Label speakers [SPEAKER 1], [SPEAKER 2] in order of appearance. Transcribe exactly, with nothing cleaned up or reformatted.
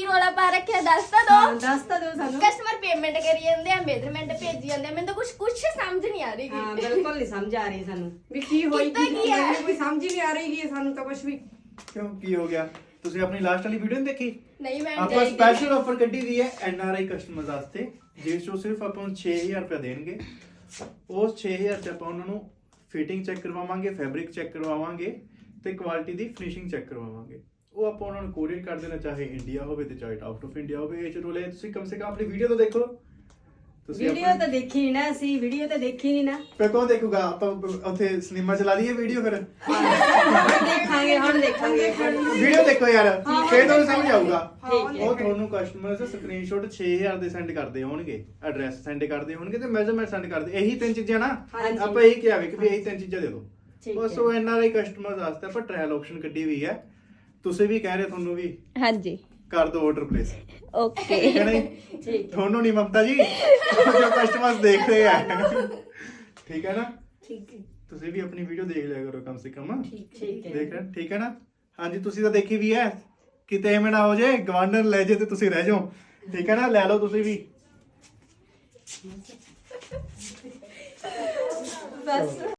[SPEAKER 1] ਰੋਲਾ ਪਾ ਰੱਖਿਆ ਦੱਸ ਤਾਂ ਦੋ
[SPEAKER 2] ਦੱਸ ਤਾਂ ਦਿਓ ਸਾਨੂੰ।
[SPEAKER 1] ਕਸਟਮਰ ਪੇਮੈਂਟ ਕਰੀ ਜਾਂਦੇ ਆ ਮੇਜ਼ਰਮੈਂਟ ਭੇਜੀ ਜਾਂਦੇ ਆ ਮੈਨੂੰ ਤਾਂ ਕੁਝ ਕੁਝ ਸਮਝ ਨਹੀਂ ਆ ਰਹੀ
[SPEAKER 2] ਹਾਂ ਬਿਲਕੁਲ ਨਹੀਂ ਸਮਝ ਆ ਰਹੀ ਸਾਨੂੰ ਵੀ ਕੀ ਹੋਈ
[SPEAKER 1] ਕੀਤਾ ਕੀ ਹੈ?
[SPEAKER 2] ਮੈਨੂੰ ਕੋਈ ਸਮਝ ਹੀ ਨਹੀਂ ਆ ਰਹੀ ਹੈ ਸਾਨੂੰ ਤਾਂ ਕੁਝ ਵੀ।
[SPEAKER 3] ਕਿਉਂ ਕੀ ਹੋ ਗਿਆ? ਤੁਸੀਂ ਆਪਣੀ ਲਾਸਟ ਵਾਲੀ ਵੀਡੀਓ ਨਹੀਂ ਦੇਖੀ?
[SPEAKER 1] ਨਹੀਂ ਮੈਂ
[SPEAKER 3] ਆਪਾਂ ਸਪੈਸ਼ਲ ਆਫਰ ਕੱਢੀ ਦੀ ਹੈ ਐਨ ਆਰ ਆਈ ਕਸਟਮਰਸ ਵਾਸਤੇ, ਜਿਸ ਚੋਂ ਸਿਰਫ ਆਪਾਂ ਨੂੰ ਛੇ ਹਜ਼ਾਰ ਰੁਪਏ ਦੇਣਗੇ। ਉਸ ਛੇ ਹਜ਼ਾਰ ਚ ਆਪਾਂ ਉਹਨਾਂ ਨੂੰ ਫਿਟਿੰਗ ਚੈੱਕ ਕਰਵਾਵਾਂਗੇ, ਫੈਬਰਿਕ ਚੈੱਕ ਕਰਵਾਵਾਂਗੇ ਤੇ ਕੁਆਲਿਟੀ ਦੀ ਫਿਨਿਸ਼ਿੰਗ ਚੈੱਕ ਕਰਵਾਵਾਂਗੇ। ਉਹ ਆਪਾਂ ਉਹਨਾਂ ਨੂੰ ਕੋਰੀਅਰ ਕਰ ਦੇਣਾ, ਚਾਹੇ ਇੰਡੀਆ ਹੋਵੇ ਤੇ ਚਾਹੇ ਆਊਟ ਆਫ ਇੰਡੀਆ ਹੋਵੇ। ਇਹ ਚ ਰੋਲੇ ਤੁਸੀਂ ਕਮ ਸੇ ਕਮ ਆਪਣੀ ਵੀਡੀਓ ਤਾਂ ਦੇਖੋ। ਤੁਸੀਂ
[SPEAKER 2] ਵੀਡੀਓ ਤਾਂ ਦੇਖੀ ਨਹੀਂ ਨਾ ਅਸੀਂ, ਵੀਡੀਓ ਤਾਂ ਦੇਖੀ ਨਹੀਂ ਨਾ।
[SPEAKER 3] ਫਿਰ ਕੌਣ ਦੇਖੂਗਾ? ਆਪਾਂ ਉੱਥੇ ਸਿਨੇਮਾ ਚਲਾ ਲਈਏ ਵੀਡੀਓ ਫਿਰ।
[SPEAKER 2] ਦੇਖਾਂਗੇ ਹੁਣ ਦੇਖਾਂਗੇ।
[SPEAKER 3] ਵੀਡੀਓ ਦੇਖੋ ਯਾਰ, ਫੇਰ ਤੁਹਾਨੂੰ ਸਮਝ ਆਊਗਾ।
[SPEAKER 2] ਠੀਕ
[SPEAKER 3] ਉਹ ਤੁਹਾਨੂੰ ਕਸਟਮਰਸ ਸਕਰੀਨਸ਼ਾਟ ਛੇ ਹਜ਼ਾਰ ਦੇ ਸੈਂਡ ਕਰਦੇ ਹੋਣਗੇ, ਐਡਰੈਸ ਸੈਂਡ ਕਰਦੇ ਹੋਣਗੇ ਤੇ ਮੈਜ਼ਰਮੈਂਟ ਸੈਂਡ ਕਰਦੇ। ਇਹੀ ਤਿੰਨ ਚੀਜ਼ਾਂ ਨਾ ਆਪਾਂ ਇਹੀ ਕਿਹਾ ਵੀ ਕਿ ਇਹੀ ਤਿੰਨ ਚੀਜ਼ਾਂ ਦੇ ਦਿਓ ਬਸ। ਉਹ ਐਨ ਆਰ ਆਈ ਕਸਟਮਰਸ ਵਾਸਤੇ ਆਪਾਂ ਟ੍ਰਾਇਲ ਆਪਸ਼ਨ ਕੱਢੀ ਹੋਈ ਹੈ। ਤੁਸੀਂ ਵੀ ਕਹਿ ਰਹੇ ਤੁਹਾਨੂੰ ਵੀ
[SPEAKER 1] ਹਾਂਜੀ
[SPEAKER 3] ਕਰ ਦਿਓ ਆਰਡਰ ਪਲੇਸ।
[SPEAKER 1] ਓਕੇ
[SPEAKER 3] ਠੀਕ ਹੈ ਨਹੀਂ? ਤੁਹਾਨੂੰ ਨਹੀਂ ਮਮਤਾ ਜੀ, ਜੋ ਕਸਟਮਰਸ ਦੇਖ ਰਹੇ ਆ। ਠੀਕ ਹੈ ਨਾ?
[SPEAKER 2] ਠੀਕ ਹੈ
[SPEAKER 3] ਤੁਸੀਂ ਵੀ ਆਪਣੀ ਵੀਡੀਓ ਦੇਖ ਲਿਆ ਕਰੋ ਕਮ ਸੇ ਕਮ।
[SPEAKER 2] ਠੀਕ ਹੈ
[SPEAKER 3] ਦੇਖ ਰਹੇ ਠੀਕ ਹੈ ਨਾ? ਹਾਂਜੀ ਤੁਸੀਂ ਤਾਂ ਦੇਖੀ ਵੀ ਹੈ, ਕਿਤੇ ਐਵੇਂ ਨਾ ਹੋ ਜੇ ਗਵਾਂਢਣ ਲੈ ਜੇ ਤੇ ਤੁਸੀਂ ਰਹਿ ਜਾਓ। ਠੀਕ ਹੈ ਨਾ? ਲੈ ਲਓ ਤੁਸੀਂ ਵੀ
[SPEAKER 2] ਬਸ।